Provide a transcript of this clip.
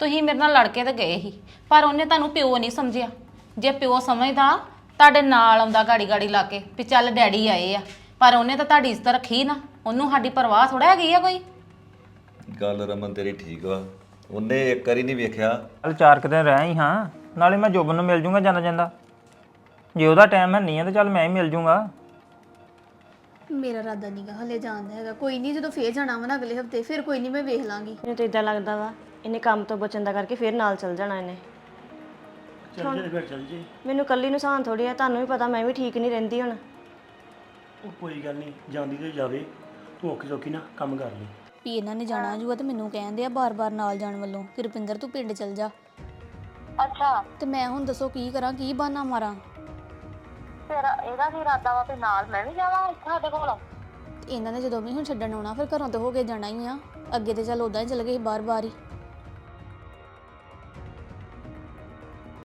ਤੁਸੀਂ ਮੇਰੇ ਨਾਲ ਲੜ ਕੇ ਤੇ ਗਏ ਸੀ, ਪਰ ਉਹਨੇ ਤੁਹਾਨੂੰ ਪਿਓ ਨਹੀਂ ਸਮਝਿਆ। ਜੇ ਪਿਓ ਸਮਝਦਾ ਤੁਹਾਡੇ ਨਾਲ ਆਉਂਦਾ ਗਾੜੀ ਗਾੜੀ ਲਾ ਕੇ ਵੀ ਚੱਲ ਡੈਡੀ ਆਏ ਆ, ਪਰ ਉਹਨੇ ਤਾਂ ਤੁਹਾਡੀ ਇੱਜ਼ਤ ਰੱਖੀ ਨਾ। ਉਹਨੂੰ ਸਾਡੀ ਪਰਵਾਹ ਥੋੜਾ ਹੈਗੀ ਆ ਕੋਈ। ਗੱਲ ਰਮਨ ਤੇਰੀ ਠੀਕ ਵਾ, ਉਹਨੇ ਇੱਕ ਵਾਰੀ ਨਹੀਂ ਵੇਖਿਆ। ਚੱਲ 4 ਕੁ ਦਿਨ ਰਹਿ ਹੀ ਹਾਂ, ਨਾਲੇ ਮੈਂ ਜੋਬਨ ਨੂੰ ਮਿਲ ਜੂੰਗਾ ਜਾਂਦਾ ਜਾਂਦਾ। ਜੇ ਉਹਦਾ ਟਾਈਮ ਹੈ ਨਹੀਂ ਹੈ ਤਾਂ ਚੱਲ ਮੈਂ ਹੀ ਮਿਲ ਜੂੰਗਾ। ਮੇਰਾ ਇਰਾਦਾ ਨਹੀਂਗਾ ਹਲੇ ਜਾਣਦਾ ਹੈਗਾ। ਕੋਈ ਨਹੀਂ, ਜਦੋਂ ਫੇਰ ਜਾਣਾ ਵਾ ਨਾ ਅਗਲੇ ਹਫਤੇ, ਫਿਰ ਕੋਈ ਨਹੀਂ ਮੈਂ ਵੇਖ ਲਾਂਗੀ। ਮੈਨੂੰ ਤਾਂ ਇਦਾਂ ਲੱਗਦਾ ਵਾ ਇਹਨੇ ਕੰਮ ਤੋਂ ਬਚਣ ਦਾ ਕਰਕੇ ਫਿਰ ਨਾਲ ਚੱਲ ਜਾਣਾ ਇਹਨੇ। ਚੱਲ ਜੇ ਫਿਰ ਚੱਲ ਜੇ। ਮੈਨੂੰ ਕੱਲੀ ਨੂੰ ਸਾਨ ਥੋੜੀ ਆ, ਤੁਹਾਨੂੰ ਵੀ ਪਤਾ ਮੈਂ ਵੀ ਠੀਕ ਨਹੀਂ ਰਹਿੰਦੀ ਹੁਣ। ਉਹ ਕੋਈ ਗੱਲ ਨਹੀਂ, ਜਾਂਦੀ ਤੇ ਜਾਵੇ, ਤੂੰ ਔਖੀ ਸੌਖੀ ਨਾ ਕੰਮ ਕਰ ਲਈ। ਵੀ ਇਹਨਾਂ ਨੇ ਜਾਣਾ ਜੂਆ ਤੇ ਮੈਨੂੰ ਕਹਿੰਦੇ ਆ ਬਾਰ-ਬਾਰ ਨਾਲ ਜਾਣ ਵੱਲੋਂ ਕਿ ਰੁਪਿੰਦਰ ਤੂੰ ਪਿੰਡ ਚੱਲ ਜਾ। ਅੱਛਾ ਤੇ ਮੈਂ ਹੁਣ ਦੱਸੋ ਕੀ ਕਰਾਂ, ਕੀ ਬਹਾਨਾ ਮਾਰਾਂ? ਫਿਰ ਇਹਦਾ ਕੀ ਇਰਾਦਾ ਵਾ ਵੀ ਨਾਲ ਮੈਂ ਵੀ ਜਾਵਾਂ ਇੱਥੇ ਸਾਡੇ ਕੋਲ? ਇਹਨਾਂ ਨੇ ਜਦੋਂ ਵੀ ਹੁਣ ਛੱਡਣ ਆਉਣਾ ਫਿਰ ਘਰੋਂ ਤੇ ਹੋ ਕੇ ਜਾਣਾ ਹੀ ਆ। ਅੱਗੇ ਤੇ ਚੱਲ ਉਦਾਂ ਹੀ ਚਲ ਗਏ ਬਾਰ-ਬਾਰ ਹੀ।